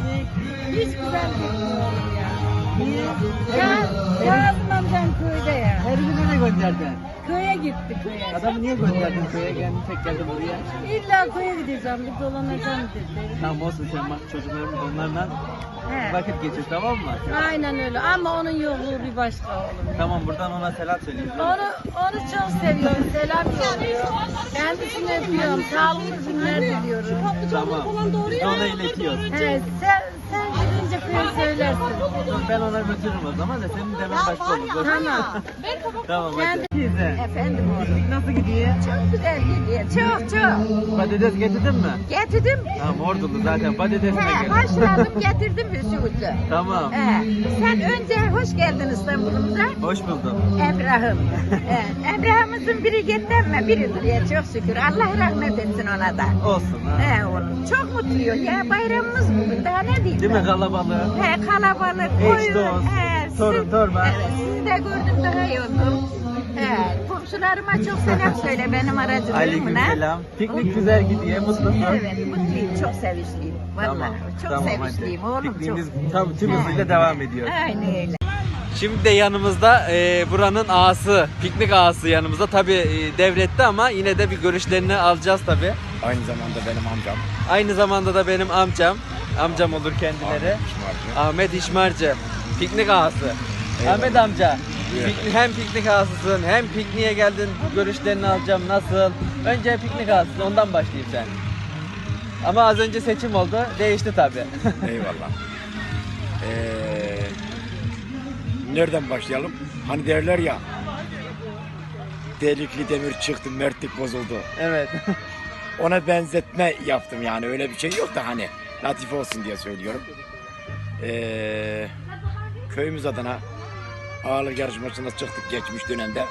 piknik. Hiç güzel gitmiyor ya. Niye? Kazım amcam köyde ya. Her gün nereye gönderdin? Köye gitti köye. Adamı niye gönderdin köye? Kendin tek geldin buraya. İlla köye gideceğim, bir dolanacağım dedi. Tamam olsun sen bak çocuklarımız onlarla He. vakit geçir tamam mı? Aynen öyle ama onun yokluğu bir başka oğlum. Tamam buradan ona selam söyleyeyim. Onu çok seviyorum, selam yolluyor. Kendisini öpüyorum, sağlıklı günler diliyorum. Tamam. Biz de ona iletiyoruz. He, sen gidince köye söylersin. Ben ona götürürüm o zaman da senin demen başka olur. Tamam. Tamam hadi. Kendi- Teyze. Efendim oğlum. Piknik nasıl gidiyor? Çok güzel gidiyor, çok. Patates getirdin mi? Getirdim. Tamam ordulu zaten patatesine He, gelin. haşladım, getirdim Hüsnü'yü. Tamam. Sen önce hoş geldin İstanbul'umuza. Hoş buldum. Emrah'ım. Emrah'ımızın biri gitmem biridir ya çok şükür. Allah rahmet etsin ona da. Olsun ha. Oğlum çok mutluyuz ya bayramımız bugün daha ne diyeyim Değil mi ben? kalabalık? Kalabalık. Eş, koyun. dost, torun, torba. Evet sizi de gördüm daha iyi oldum. Komşularıma çok selam söyle benim aracılığımla. Aleykümselam. Piknik güzel gidiyor. Mutlusun. Evet mutluyum çok sevinçliyim. Vallahi Tamam. çok Tamam sevinçliyim hadi. oğlum çok. Pikniğimiz tam tüm hızıyla devam ediyor. Aynen öyle. Şimdi de yanımızda buranın ağası, piknik ağası yanımızda. Tabi devletti ama yine de bir görüşlerini alacağız tabi. Aynı zamanda benim amcam. Aynı zamanda da benim amcam. Amcam olur kendileri. Ahmet İşmarcı. Piknik ağası. Eyvallah. Ahmet amca. Buyur. Hem piknik ağasısın hem pikniğe geldin. Görüşlerini alacağım. Nasıl? Önce piknik ağasısın. Ondan başlayayım sen. Ama az önce seçim oldu. Değişti tabi. Eyvallah. Nereden başlayalım? Hani derler ya, delikli demir çıktı, mertlik bozuldu. Evet. Ona benzetme yaptım yani, öyle bir şey yok da hani latife olsun diye söylüyorum. Köyümüz adına ağırlık yarışmasına çıktık geçmiş dönemde.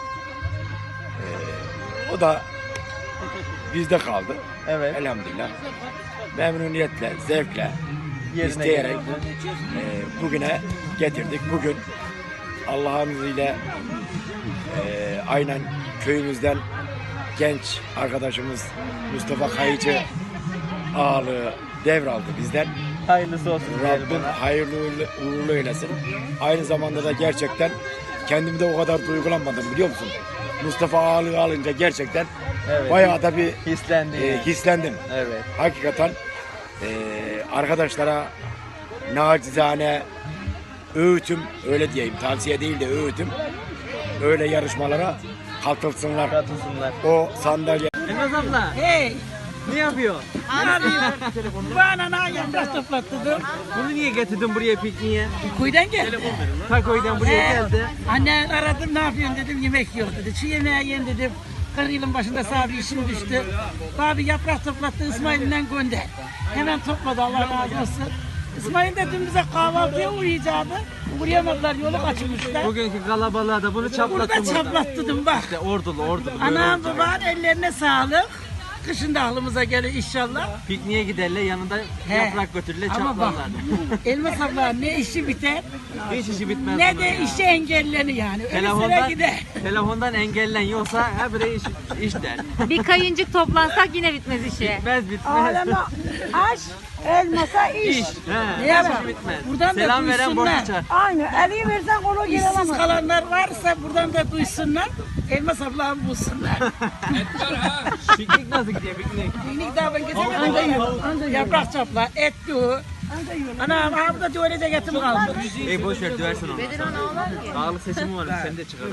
O da bizde kaldı. Evet. Elhamdülillah. Memnuniyetle, zevkle, Yerine isteyerek geldi. bugüne getirdik. Bugün Allah'ın izniyle aynen köyümüzden genç arkadaşımız Mustafa Kayıcı ağalığı devraldı bizden. Hayırlısı olsun diyelim Rabbim ona. hayırlı uğurlu eylesin. Aynı zamanda da gerçekten kendimi de o kadar duygulanmadım biliyor musun? Mustafa ağalığı alınca gerçekten Evet. bayağı da bir Hislendi. hislendim. Evet. Hakikaten arkadaşlara nacizane öğütüm, öyle diyeyim, tavsiye değil de öğütüm, öyle yarışmalara katılsınlar. Katılsınlar. O sandalye Elmas abla. Hey, Ne yapıyor? ne yapıyorsun? Bana ne yaprak toplattırdın? Bunu niye getirdin buraya pikniğe? Kuyudan geldi. Takoy'dan buraya geldi. Anne aradım ne yapıyorsun dedim yemek yok dedi. Şu yemeğe yiyin dedim. 40 yılın başında sağ bir işim düştü. Abi yaprak toplattı İsmail'den gönder. Hemen topladı Allah razı olsun. İsmail de dün bize kahvaltıya uyuyacaktı. Uğrayamadılar yolu kaçırmışlar. Bugünkü kalabalığa da bunu çaplattım. Burada çaplattırdım bak. İşte ordulu. Anam baban ellerine sağlık. Kışın da aklımıza gelir inşallah. Pikniğe giderler yanında He. yaprak götürürler Ama bak çaplarlar. Elmas abla ne işi biter Hiç işi bitmez. ne bunun de ya. işi engellenir yani. Öyle sıra Telefondan, gider. telefondan engellen yoksa ha bre iş der. Bir kayıncık toplansak yine bitmez işi. Bitmez. Aleme aş, elmasa iş. İş. He. Ne yapalım? Hiç bitmez. Buradan da Selam veren borç duysunlar. açar. Aynı. Eli versen kolu geri alamaz. İşsiz kalanlar varsa buradan da duysunlar. Elmas ablamı bulsunlar. Piknik nasıl gidiyor piknik? Piknik daha ben gezemedim. Yaprak çapla, et doğu. Anam abi da öylece getim kaldı. Ey boş ver döversin onu. Ağalık seçimi var sen de çıkar.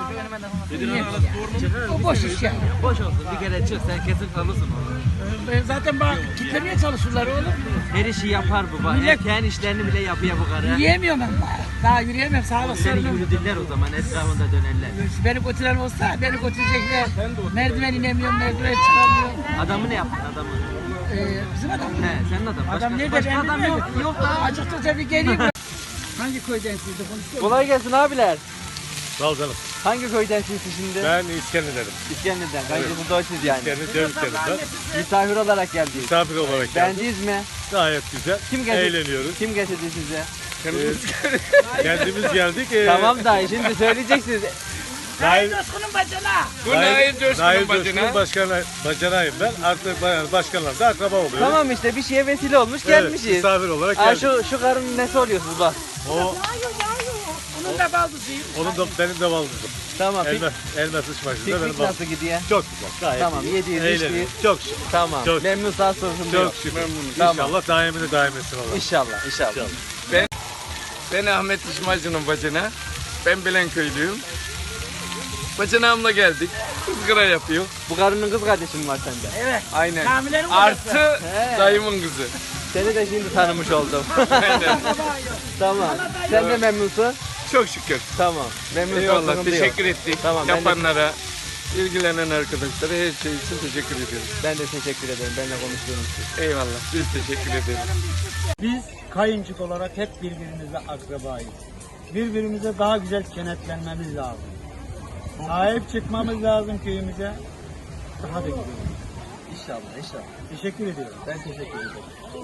O boş iş ya. Boş olsun bir kere çık sen kesin kalırsın onu. Zaten bak kitlemeye çalışırlar oğlum. Her işi yapar bu bak. Millet- Erkeğin işlerini bile yapıyor bu karı. Yiyemiyorum ben daha yürüyemem sağ Seni olasın. yürüdüler o zaman etrafında dönerler. Beni götüren olsa beni götürecekler. Merdiven inemiyorum, merdiven çıkamıyorum. Adamı ne yaptın adamı? Bizim adam. He senin adam. Başka, Adam nerede? başka Ben adam bilmiyorum. yok. Yok da. Acıktıkça bir geleyim. Hangi köyden siz de konuşuyorsunuz? Kolay gelsin abiler. Sağ ol canım. Hangi köydensin şimdi? Ben İskender'im. İskender'den. Bence burada açız yani. İskender Cevizkeri'nden Misafir olarak geldiniz. misafir olarak geldim. Beğendiniz mi? Gayet güzel. Kim getirdi? Eğleniyoruz. Kim getirdi size? Kendimiz geldik. Tamam da şimdi söyleyeceksiniz. Nail Coşkun'un bacana. Bu Nail Coşkun'un bacına. Bacanayım ben. Artık başkanlar da akraba oluyor. Tamam işte bir şeye vesile olmuş gelmişiz. Misafir olarak Aa, geldik. şu karının nesi oluyorsunuz bak. Onun da baldızıyım. Onun da benim de baldızım. Tamam. Elma sıçmasında benim Piknik baldızım. nasıl gidiyor? Çok güzel. Gayet Tamam, iyi. yediğiniz, Eğleniyoruz. içtiğiniz. Çok şükür. Tamam. Çok- Memnun sağ sorun Çok yok. şükür. Tamam. İnşallah daimini daim etsin Allah. İnşallah, inşallah. Ben Ahmet İşmacı'nın bacına. Ben Bilenköylüyüm. Bacanağımla geldik. Kızgıra yapıyor. Bu karının kız kardeşi mi var sende? Evet. Aynen. Kamilerin babası. Artı He. dayımın kızı. Seni de şimdi tanımış oldum. Aynen. Tamam. Sen de memnunsun? Çok şükür. Tamam. Memnunsun. Eyvallah. sıkıntı yok. Teşekkür ettik. Tamam, ben de- Yapanlara, ilgilenen arkadaşlara her şey için teşekkür ediyoruz. Ben de teşekkür ederim. Benimle konuştuğunuz için. Eyvallah. Biz teşekkür ederiz. Biz kayıncık olarak hep birbirimize akrabayız. Birbirimize daha güzel kenetlenmemiz lazım. Sahip çıkmamız lazım köyümüze. Daha da güzel. İnşallah, inşallah. Teşekkür ediyorum. Ben teşekkür ederim.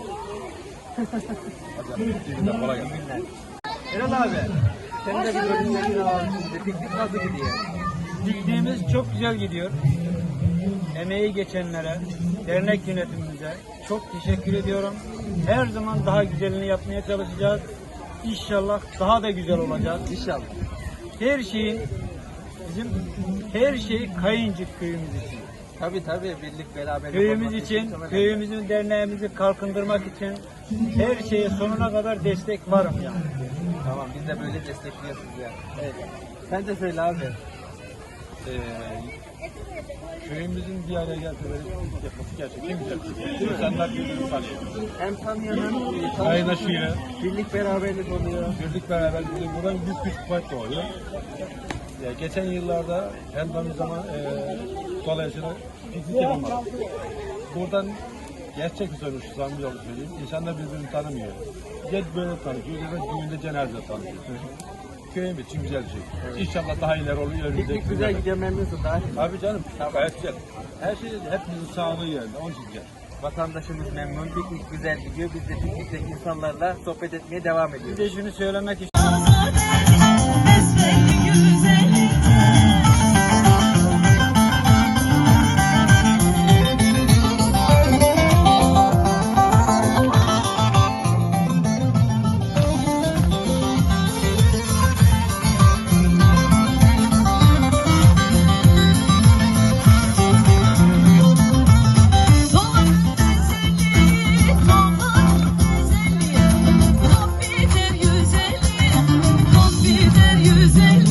Eren abi, sen de bir bölümlerini alalım şimdi. Piknik nasıl gidiyor? Pikniğimiz çok güzel gidiyor. Emeği geçenlere, dernek yönetimimize çok teşekkür ediyorum. Her zaman daha güzelini yapmaya çalışacağız. İnşallah daha da güzel olacak. İnşallah. Her şeyin her şey Kayıncık köyümüz için. Tabii birlik beraberlik. Köyümüz olması için, çok önemli. köyümüzün derneğimizi kalkındırmak için her şeye sonuna kadar destek varım yani. Tamam, biz de böyle destekliyoruz ya. Evet. Sen de söyle abi. Köyümüzün bir araya gelmeleri yapması gerçekten güzel. İnsanlar birbirini tanıyor. Hem tanıyanın, Kaynaşıyor. birlik beraberlik oluyor. Birlik beraber buradan büyük güç kuvvet doğuyor. Geçen yıllarda hem de zaman dolayısıyla piknik yapamadık. Buradan gerçek bir sonuç samimi yolu söyleyeyim. İnsanlar birbirini tanımıyor. Ya böyle tanışıyor ya da düğünde cenazede tanışıyor. Köyüm için güzel bir şey. İnşallah daha ileri olur. Piknik güzel gidiyor, memnunsun daha. Abi canım gayet güzel. Her şey hepimizin sağlığı yerinde. Onun için güzel. Vatandaşımız memnun, piknik güzel gidiyor. Biz de piknikteki insanlarla sohbet etmeye devam Bir ediyoruz. de şunu söylemek istiyorum. Güzel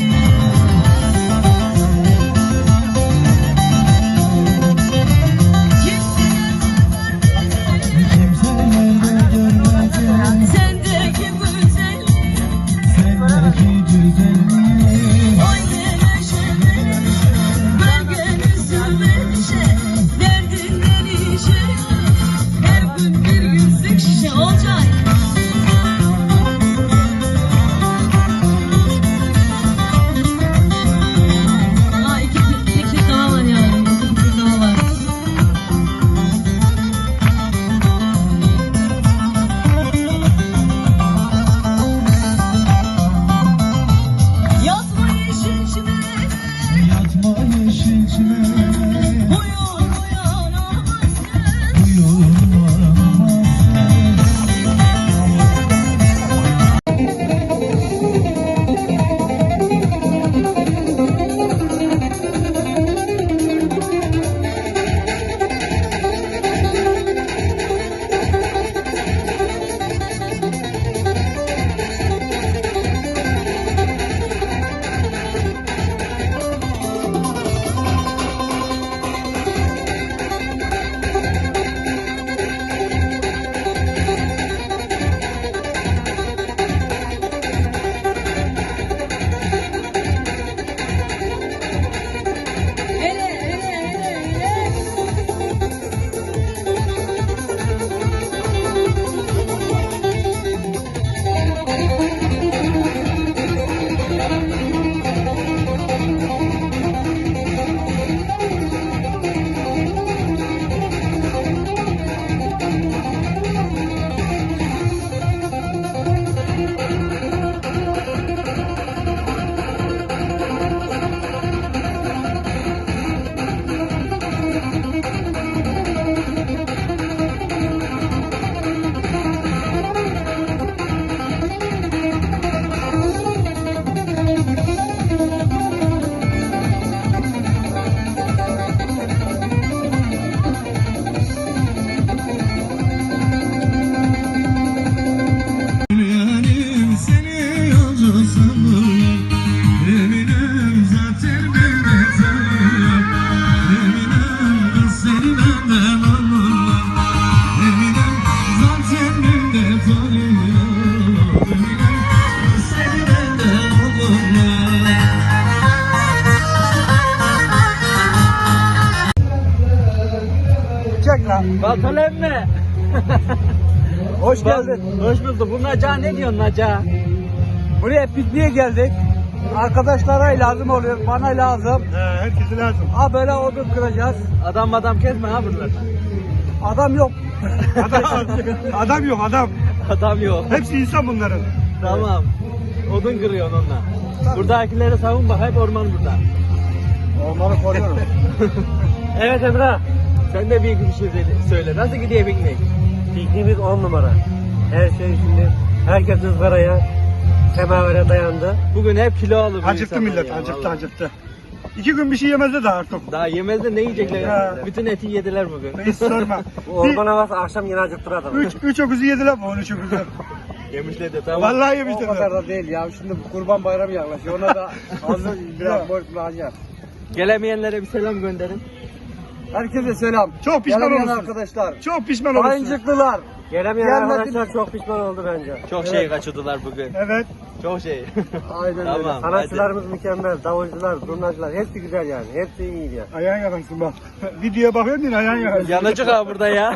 Baltalı emmi. Hoş geldin. Hoş bulduk. Bu Naca ne diyorsun Naca? Buraya pikniğe geldik. Arkadaşlara lazım oluyor, bana lazım. Herkese lazım. Ha böyle odun kıracağız. Adam kesme ha buralar. Adam yok. Adam yok adam. Adam yok. Hepsi insan bunların. Tamam. Odun kırıyorsun onunla. Buradakileri savun bak, hep orman burada. Onları koruyorum. Evet Emrah. Sen de bir şey söyle. Nasıl gidiyor piknik? Pikniğimiz 10 numara. Her şey şimdi, herkes ızgaraya, semavere dayandı. Bugün hep kilo alır. bu Acıktı insanlar millet, ya, acıktı vallahi. acıktı. 2 gün bir şey yemezdi daha artık. Daha yemez de ne yiyecekler? Ya. Bütün eti yediler bugün. Hiç sorma. havası akşam yine acıktır adam. Üç öküzü yediler mi? 13 öküzü. Yemişler de tamam. Vallahi yemişler. O kadar da değil ya. Şimdi kurban bayramı yaklaşıyor. Ona da hazır biraz borçlu hacı. Gelemeyenlere bir selam gönderin. Herkese selam. Çok pişman Gelemeyen olursunuz. arkadaşlar. Çok pişman olursun. Kayıncıklılar. Gelemeyen Gelmediniz. arkadaşlar çok pişman oldu bence. Çok şey kaçırdılar bugün. Evet. Çok şey. Aynen Tamam, öyle. hadi. Sanatçılarımız mükemmel. Davulcular, zurnacılar hepsi güzel yani. Hepsi iyiydi ya. Ayağın yakarsın bak. Videoya bakıyorsun yine ayağın yakarsın. Yanacık ha burada ya.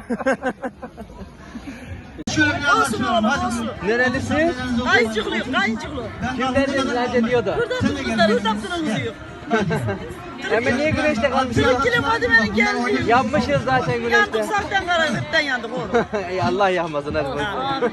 Olsun oğlum olsun. Nerelisin? Kayıncıklıyım kayıncıklıyım. Kimden nerede diyordu? Buradan kızlar Hüsapsın'ın yok. Hemen niye güneşte kalmışsın? Kilo Fadime'nin geldiği. Yapmışız zaten Yandık güneşte. saktan karanlıktan yandık oğlum. Ey Allah yahmasın hadi bakalım.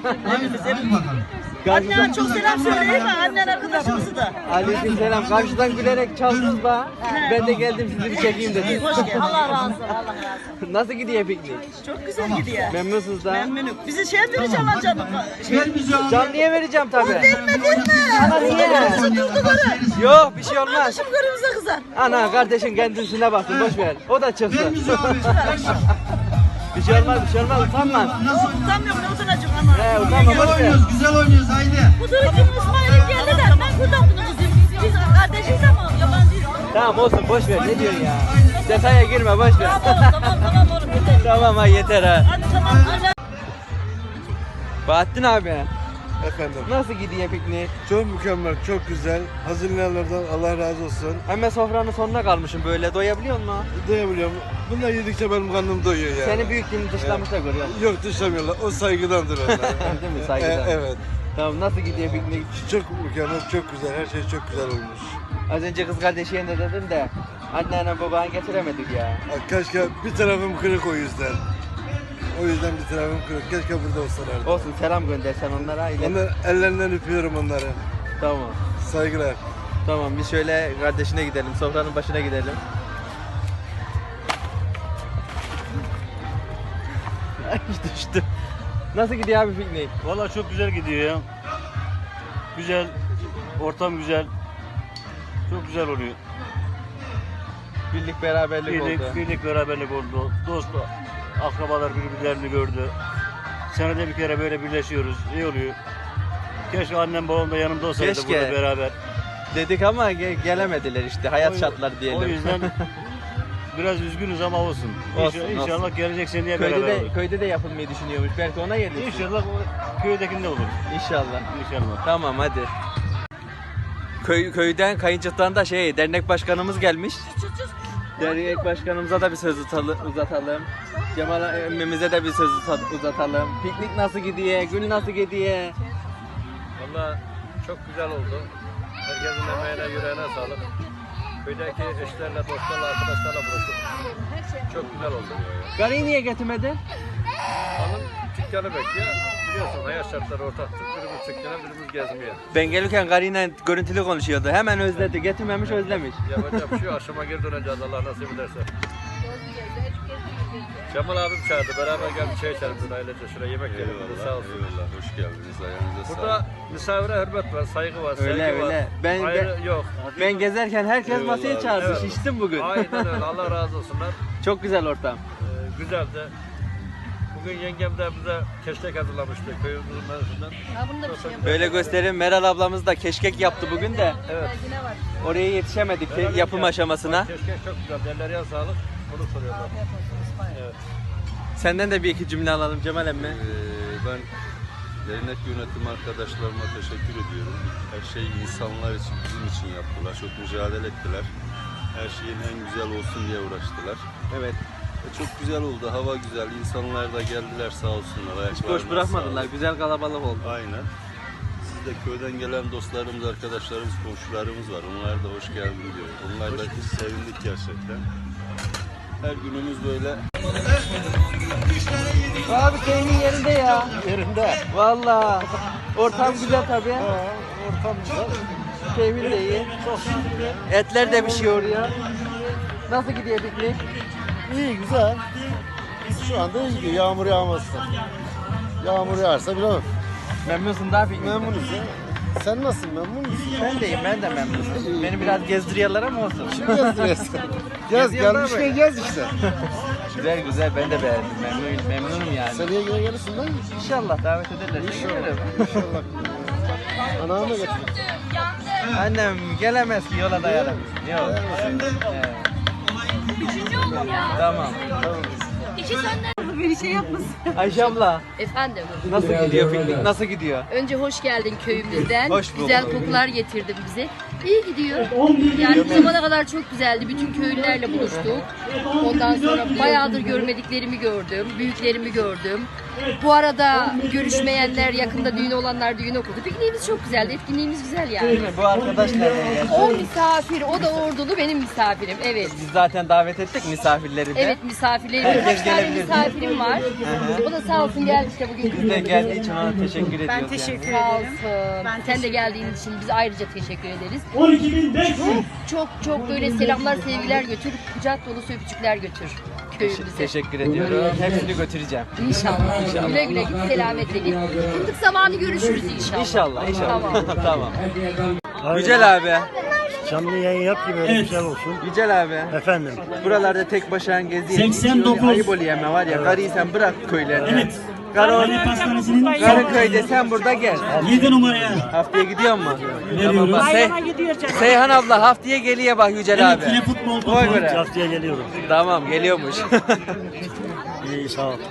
Annene çok selam söyleyeyim mi? Annen arkadaşımızı da. Aleyküm selam. Karşıdan gülerek çaldınız ba. Ben de geldim sizi bir çekeyim dedim. Hoş geldin. Allah razı olsun. Allah razı olsun. Nasıl gidiyor piknik? Çok güzel gidiyor. Memnunsunuz da. Memnunum. Bizi şey vereceğim lan canım. Canlıya vereceğim tabii. Verme. Ana niye? Kırmızı durdu karı. Yok bir şey olmaz. Kardeşim kırmızı kızar. Ana kardeşin kendisine baksın boş ver. O da çıksın. Bir şey olmaz utanma. Utanmıyorum ne utanacağım ama. He utanma boş ver. Güzel oynuyoruz haydi. Bu duruşun İsmail'in geldi de ben buradan bunu kızım. Biz kardeşiz ama yabancıyız. Tamam olsun boş ver ne diyorsun ya. Detaya girme boş ver. Tamam oğlum yeter. Tamam ha yeter ha. Hadi tamam. Bahattin abi Efendim. nasıl gidiyor piknik? Çok mükemmel, çok güzel. Hazırlayanlardan Allah razı olsun. Hemen sofranın sonuna kalmışım böyle doyabiliyor musun? Doyabiliyorum. Bunlar yedikçe benim karnım doyuyor yani. Seni büyük dilini dışlamışlar görüyor musun? Yok dışlamıyorlar. O saygıdandır onlar. Değil mi saygıdan? Evet. Tamam nasıl gidiyor piknik? Çok mükemmel, çok güzel. Her şey çok güzel olmuş. Az önce kız kardeşine de dedim de anneanne babanı getiremedik ya. Keşke bir tarafım kırık o yüzden. O yüzden bir tarafım kırık. Keşke burada olsalardı. Olsun selam göndersen onlara. Onlar ellerinden öpüyorum onları. Tamam. Saygılar. Tamam biz şöyle kardeşine gidelim, sofranın başına gidelim. Ay düştü. Nasıl gidiyor abi piknik? Valla çok güzel gidiyor ya. Güzel, ortam güzel. Çok güzel oluyor. Birlik beraberlik oldu. Birlik beraberlik oldu. Dost, akrabalar birbirlerini gördü. Senede bir kere böyle birleşiyoruz. İyi oluyor. Keşke annem babam da yanımda olsaydı Keşke. burada beraber. Dedik ama gelemediler işte hayat şartları diyelim. O yüzden biraz üzgünüz ama olsun. Olsun, İnşallah olsun. gelecek seneye beraber Köyde olur. de, köyde de yapılmayı düşünüyormuş. Belki ona gelir. İnşallah o köydekinde olur. İnşallah. İnşallah. Tamam hadi. Köyden kayıncıktan da dernek başkanımız gelmiş. Dernek başkanımıza da bir söz uzatalım. Cemal emmimize de bir söz uzatalım. Piknik nasıl gidiyor? Gün nasıl gidiyor? Valla çok güzel oldu. Herkesin emeğine yüreğine sağlık. Köydeki eşlerle, dostlarla, arkadaşlarla buluştuk. Çok güzel oldu. Garıyı niye getirmedin? Hanım dükkanı bekliyor. Biliyorsun hayat şartları ortaktır. Birimiz dükkana, birimiz gezmeye. Ben gelirken garıyla görüntülü konuşuyordu. Hemen özledi. Getirmemiş özlemiş. Yapacak bir şey yok. Akşama geri döneceğiz Allah nasip ederse. Cemal abim çağırdı. Beraber gel bir çay içelim burada ailece. Şuraya yemek yiyelim. Sağ olsun. Eyvallah. Hoş geldiniz. Ayağınıza Burada misafire hürmet var, saygı var, sevgi Öyle, var. öyle. Ben- Yok. Ben gezerken herkes Eyvallah masaya abi. çağırdı. Evet. Şiştim bugün. Aynen öyle. Allah razı olsunlar. Çok güzel ortam. Güzeldi. Bugün yengem de bize keşkek hazırlamıştı köyümüzün menüsünden. Böyle göstereyim. Meral ablamız da keşkek yaptı bugün de. Evet. Oraya yetişemedik Beraber yapım yaptık. aşamasına. Keşkek çok güzel. Ellerine sağlık. Bunu soruyorlar. Evet. Senden de bir iki cümle alalım Cemal emmi. Ben dernek yönetim arkadaşlarıma teşekkür ediyorum. Her şeyi insanlar için, bizim için yaptılar. Çok mücadele ettiler. Her şeyin en güzel olsun diye uğraştılar. Evet. Çok güzel oldu. Hava güzel. İnsanlar da geldiler sağ olsunlar. Hiç boş bırakmadılar. Güzel kalabalık oldu. Aynen. Siz de köyden gelen dostlarımız, arkadaşlarımız, komşularımız var. Onlar da hoş geldin diyor. Onlar da sevindik gerçekten. Her günümüz böyle. Abi keyfin yerinde ya. Yerinde. Vallahi. Ortam güzel tabii. Ortam güzel. Keyfin de iyi. Etler de pişiyor ya. Nasıl gidiyor piknik? İyi güzel. Şu anda iyi gidiyor. Yağmur yağmazsa. Yağmur yağarsa bilemem. Memnunsun daha piknik. Memnunuz ya. Sen nasılsın? Memnun musun? Ben deyim, ben de memnunum. Beni biraz gezdiriyorlar ama olsun. Şimdi gezdiriyorsun. Gez Geziyorlar gelmişken mı? gez işte. Güzel güzel, ben de beğendim. Memnunum yani. Seneye yine gelirsin lan. İnşallah davet ederlerse gelirim. İnşallah. Anamı da götürün. Annem gelemez ki yola dayanamaz. Yok. Evet. Tamam. Bir şey yapmasın. Ayşe abla Efendim, nasıl gidiyor piknik? Nasıl gidiyor? önce hoş geldin köyümüzden. Hoş bulduk. Güzel kokular getirdin bize. İyi gidiyor. Yani bu zamana kadar çok güzeldi. Bütün köylülerle buluştuk. Ondan sonra bayağıdır görmediklerimi gördüm. Büyüklerimi gördüm. Bu arada görüşmeyenler, yakında düğün olanlar düğün okudu. Pikniğimiz çok güzeldi. Etkinliğimiz güzel yani. Değil mi? Bu arkadaş nereden geldi? O misafir, o da ordulu, benim misafirim. Evet. Biz zaten davet ettik misafirleri de. Evet, misafirlerim. Herkes Birkaç tane gelebilir. misafirim var. O da sağ olsun geldi işte bugün. Biz de geldiği için ona teşekkür ediyoruz. Ben teşekkür Sağ ederim. olsun. Sen de geldiğin için biz ayrıca teşekkür ederiz. 12.500. Çok böyle selamlar, sevgiler götür, kucak dolusu öpücükler götür köyümüze. Teşekkür ediyorum. Hepsini götüreceğim. İnşallah. Güle güle git, selametle git. Fındık zamanı görüşürüz inşallah. İnşallah, inşallah. Tamam. Tamam. Yücel abi. Canlı yayın yap ki böyle güzel olsun. Yücel abi. Efendim. Buralarda tek başına geziyor. 89. Ayıp oluyor ama var ya. Karıyı sen bırak köylerine. Evet. Karı Pastanesi'nin Karıköy'de sen burada gel. 7 numaraya. Haftaya gidiyor mu? diyoruz? bak. Seyhan abla haftaya geliyor bak Yücel abi. Yine futbol topu. Oy göre. Haftaya geliyorum. Tamam geliyormuş. İyi sağ ol.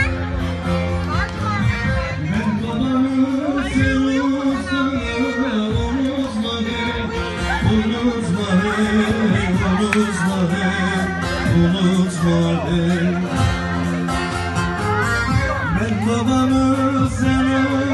Ben babamı sen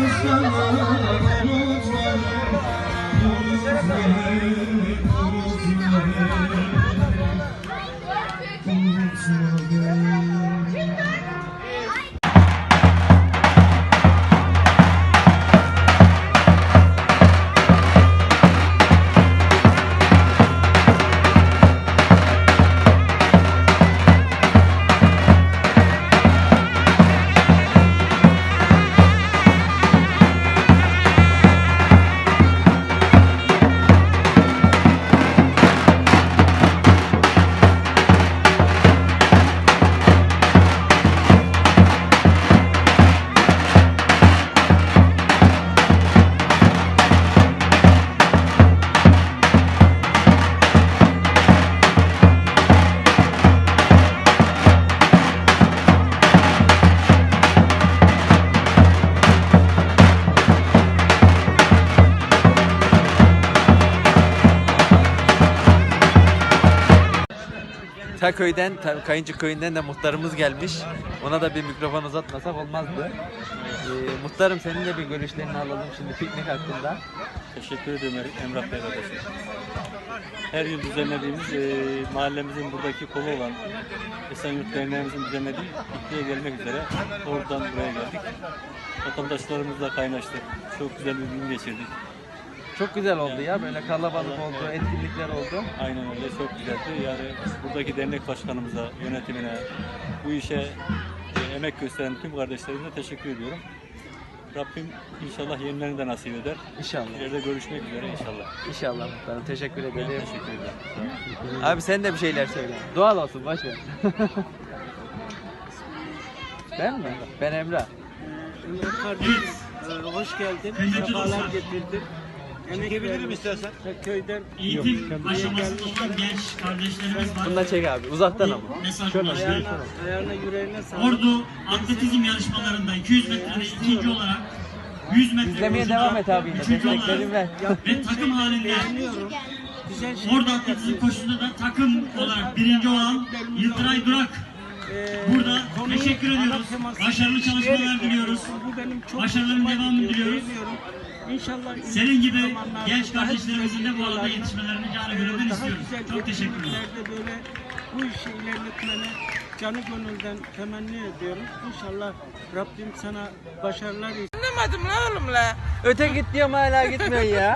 Köyden, Kayıncı köyünden de muhtarımız gelmiş. Ona da bir mikrofon uzatmasak olmazdı. Muhtarım senin de bir görüşlerini alalım şimdi piknik hakkında. Teşekkür ediyorum Emrah Bey kardeşim. Her yıl düzenlediğimiz mahallemizin buradaki kolu olan Esenyurt Derneğimizin düzenlediği pikniğe gelmek üzere oradan buraya geldik. Vatandaşlarımızla kaynaştık. Çok güzel bir gün geçirdik. Çok güzel oldu ya böyle kalabalık oldu, etkinlikler oldu. Aynen öyle, çok güzeldi. Yani buradaki dernek başkanımıza, yönetimine, bu işe emek gösteren tüm kardeşlerimize teşekkür ediyorum. Rabbim inşallah yenilerini de nasip eder. İnşallah. İleride görüşmek üzere inşallah. İnşallah muhtarım. Teşekkür ederim. Ben teşekkür ederim. Abi sen de bir şeyler söyle. Doğal olsun boş ver. Ben mi? Ben Emrah. Hoş geldin. Sefalar getirdin. Çekebilirim istersen. Köyden Eğitim aşamasında olan genç kardeşlerimiz var. Bunu da çek abi. Uzaktan ama. Mesaj ayağına yüreğine sağlık. Ordu atletizm yarışmalarında 200 metrede ikinci olarak 100 metre İzlemeye koşuda devam et abi yine. üçüncü olarak Desteklerim ver. ve takım halinde Güzel şey. Ordu atletizm koşusunda da takım olarak birinci olan Yıldıray Durak Burada teşekkür ediyoruz. Başarılı çalışmalar diliyoruz. Bu benim çok Başarıların hoşuma devamını gidiyor, diliyoruz. seviyorum. İnşallah Senin gibi zamanlarda genç daha kardeşlerimizin de bu güzel alanda videolarla, yetişmelerini canı gönülden daha istiyoruz. güzel Çok teşekkürler. etkinliklerde böyle bu işi ilerletmeni canı gönülden temenni ediyorum. İnşallah Rabbim sana başarılar Anlamadım la oğlum la. Öte git diyorum hala gitmiyor ya.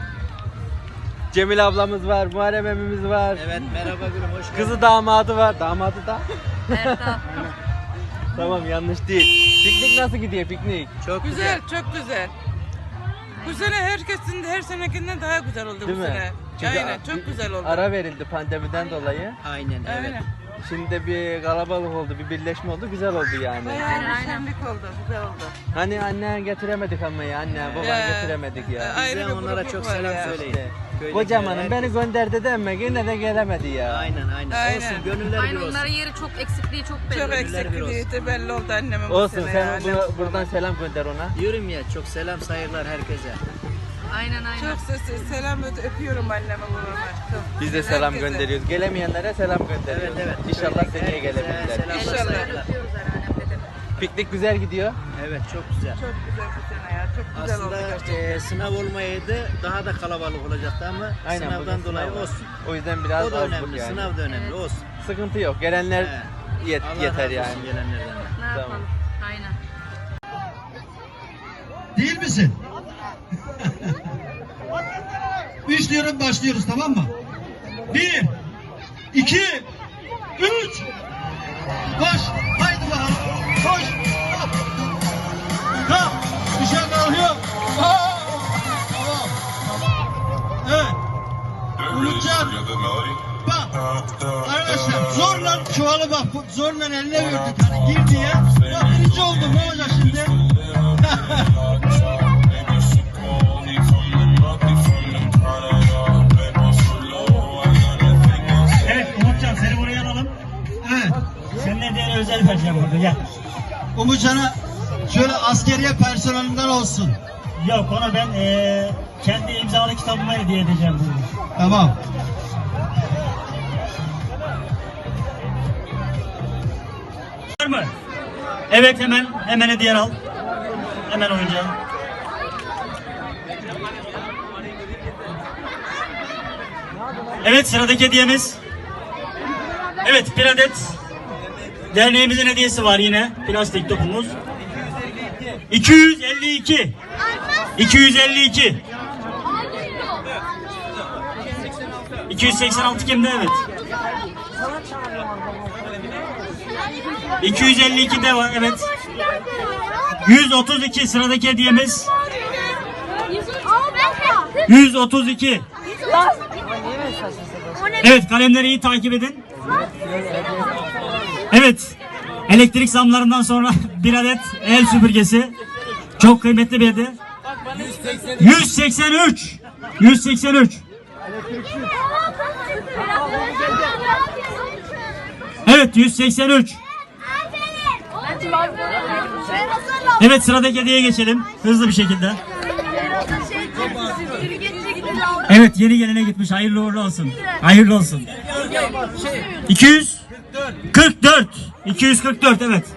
Cemil ablamız var, Muharrem emmimiz var. Evet, merhaba gülüm, hoş geldin. Kızı damadı var. Damadı da. Erdal. Tamam yanlış değil. Piknik nasıl gidiyor piknik? Çok Güzel, çok güzel. Bu sene herkesin her senekinden daha güzel oldu Değil bu mi? sene. Çünkü Aynen, çok güzel oldu. Ara verildi pandemiden dolayı. Aynen, evet. Aynen. Şimdi bir kalabalık oldu, bir birleşme oldu, güzel oldu yani. Bayağı bir şenlik oldu, güzel oldu. Hani anne getiremedik ama ya, anne baba Ya, getiremedik ya. ayrı Bize bir onlara grupluk çok var selam ya. söyleyin. İşte. Köydeki Kocamanın beni herkes- gönderdi de ama yine de gelemedi ya. Aynen, aynen. Aynen. Olsun, gönüller bir Aynen olsun. onların yeri çok eksikliği çok belli. Çok Gönüller bir olsun. eksikliği belli oldu annemin bu Olsun sene sen ya. buradan selam gönder ona. Diyorum ya, çok selam, saygılar herkese. Aynen aynen. Çok selam öpüyorum anneme babama. Çok. Biz de selam Herkese. gönderiyoruz. Gelemeyenlere selam gönderiyoruz. Evet, evet. İnşallah Köydeki seneye herkese gelebilirler. selamlar, İnşallah. saygılar. Piknik güzel gidiyor. Evet, çok güzel. Çok güzel bu sene ya. Çok güzel oldu Aslında gerçekten. sınav olmayaydı, daha da kalabalık olacaktı ama Aynen, sınavdan bugün dolayı sınav var. olsun. O yüzden biraz O da azlık önemli, yani. sınav da önemli, olsun. Sıkıntı yok. Gelenler He. Allah yeter razı yani. olsun gelenlerden. Ne Tamam. yapalım? Aynen. Değil misin? Üç diyorum başlıyoruz tamam mı? 1, 2, 3. Koş. Haydi bakalım. Koş. Kalk. Dışarı kalkıyor. Tamam. Evet. Umutcan. Bak. Arkadaşlar zorla çuvalı bak. Zorla eline verdik. Hani gir diye. Bak birinci oldum. Ne olacak şimdi? Evet Umutcan seni buraya alalım. Evet. Seninle diğer özel vereceğim burada gel. Umutcan'a şöyle askeriye personelinden olsun. Yok onu ben kendi imzalı kitabıma hediye edeceğim. Tamam. Var mı? Evet hemen hediye al. Hemen oyuncağı. Evet sıradaki hediyemiz. Evet bir adet derneğimizin hediyesi var yine. Plastik topumuz. 252. 252. 286 kimde? Evet. 252 de var evet. 132 sıradaki hediyemiz. 132. Evet kalemleri iyi takip edin. Evet. Elektrik zamlarından sonra bir adet el süpürgesi. Çok kıymetli bir hediye. 183. 183. Evet 183. Evet sıradaki hediyeye geçelim. Hızlı bir şekilde. Evet yeni gelene gitmiş. Hayırlı uğurlu olsun. Hayırlı olsun. 244. 244 evet.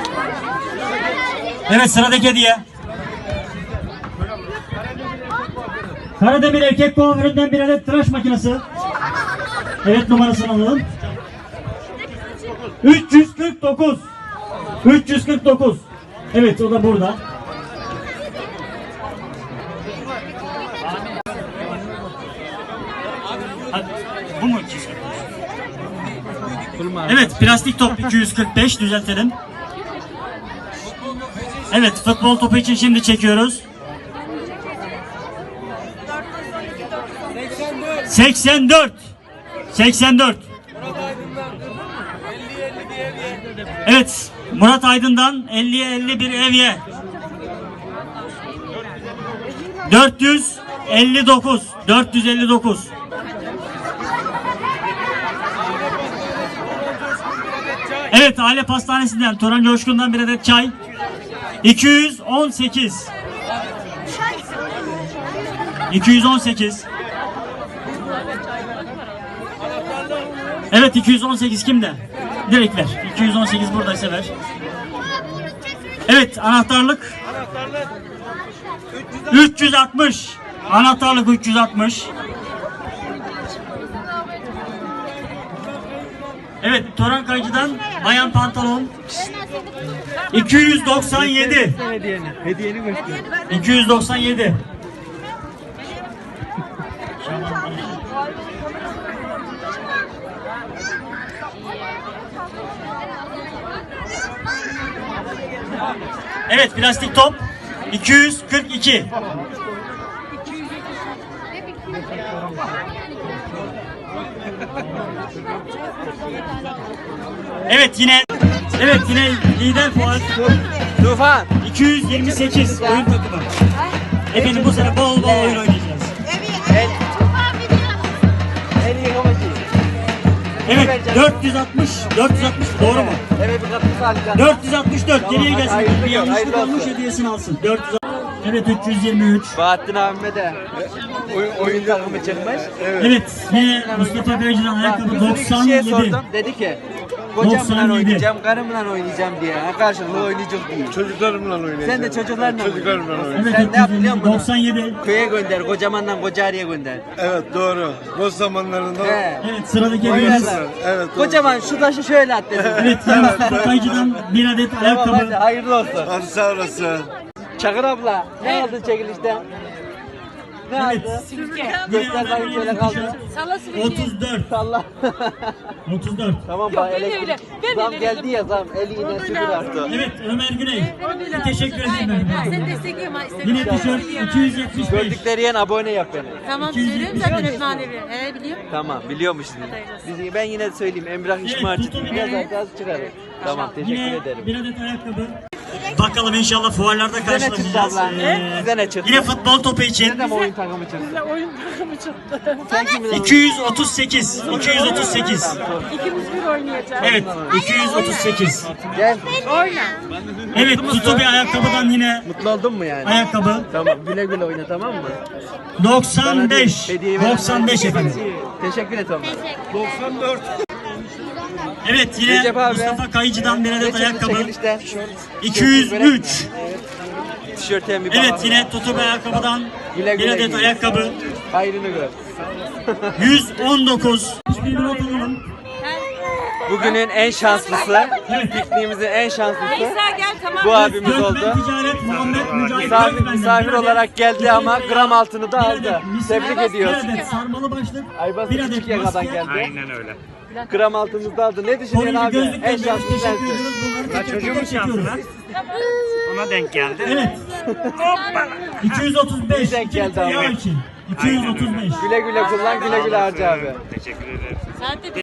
Evet sıradaki hediye. Karademir erkek kuaföründen bir adet tıraş makinesi. Evet numarasını alalım. 349. 349. Evet o da burada. Bu mu? Evet plastik top 245 düzeltelim. Evet futbol topu için şimdi çekiyoruz. 84. 84. Evet Murat Aydın'dan 50'ye 50 bir evye. 459. 459. Evet aile pastanesinden Turan Coşkun'dan bir adet çay. 218. 218. Evet 218 kimde? Direkt ver. 218 buradaysa ver. Evet, anahtarlık. 360. Anahtarlık 360. Evet, Toran Kayıcı'dan bayan pantolon. 297. Hediyeni göster. 297. Evet, plastik top 242. Evet yine lider puan Tufan. 228 oyun takımı. Efendim bu sene bol bol oyun oynayacağız. En iyi havacı. Evet 460 doğru mu? Evet bir kapısı alacağım. 464 geriye gelsin. hayırlı Bir yanlışlık hayırlı olmuş olsun. hediyesini alsın. 400. Evet 323. Bahattin abime de oyun takımı çıkmış. Evet yine Mustafa Beyci'den ayakkabı Bir kişiye 97. sordum. Dedi ki kocamla 97. oynayacağım, karımla oynayacağım diye. Ha, karşılıklı oynayacak diye. Çocuklarımla oynayacağım. Sen de çocuklarla Çocuklarımla oynayacağım. Evet Sen ne yap biliyor 327. musun? 97. Köye gönder, kocamandan Kocaeli'ye gönder. Evet doğru. Boş zamanlarında He. Evet sıradaki hediyemiz. Oynarlar. Evet, doğru. Kocaman şu taşı şöyle at dedim. Evet yine Mustafa Kayıcı'dan bir adet Tamam hadi ayakkabı. hayırlı olsun. Hadi sağ olasın. Çakır abla ne aldın çekilişten? Ne aldın? Göster bakayım şöyle kaldı. 34. Salla. 34. Tamam bak elektrik. Zam geldi ya zam. Eli yine sıfır arttı. Evet Ömer Güney. Teşekkür ederim. Sen destekliyorum ha. Yine tişört 275. Gördükleri yen abone yap beni. Tamam 275. söylüyorum zaten hep manevi. He biliyorum. Tamam biliyormuşsun. Ben yine söyleyeyim Emrah İşmarcı tutun yazar beni. gaz çıkarır. Tamam teşekkür Yine ederim. bir adet ayakkabı. Bakalım inşallah fuarlarda Size ne çıktı karşılaşacağız. abla? Size ne çıktı? Yine futbol topu için Size de mi oyun takımı çıktı? Size oyun takımı çıktı. Sen kimin 238. 238. İkimiz bir oynayacağız. Evet 238. Gel. Evet Tutu bir ayakkabıdan yine Mutlu oldun mu yani? ayakkabı. Tamam güle güle oyna tamam mı? 95. Hediyeyi veren- 95 efendim. Teşekkür et Ömer. Evet yine Recep abi. Mustafa Kayıcı'dan bir adet Ne çıktı ayakkabı. çekilişten? 203. Tişörtüyen bir Evet baba. yine Tutu bir ayakkabıdan Güle bir güle adet giyin. ayakkabı. Hayrını gör. 119. Bir not alalım. Bugünün en şanslısı, pikniğimizin en şanslısı İsa gel tamam. bu abimiz Gökmen oldu. Ticaret Muhammed Mücahit Misafir, Gökmen'den misafir bir adet olarak geldi Tutu ama veya gram altını da bir aldı. adet misina, Tebrik ediyoruz. Bir adet sarmalı başlık. Aybaz bir küçük adet yakadan maske. geldi. Aynen öyle. Gram altımızı da aldı. Ne düşünüyorsun Kolye abi? gözlük En gönderiyoruz. şanslı Teşekkür sensin. ediyoruz. Bunları teker çekiyoruz. Ona denk geldi. Evet. 235. denk geldi abi. Yağ için. 235. Güle güle kullan, güle güle harca abi. Teşekkür ederim. Sen de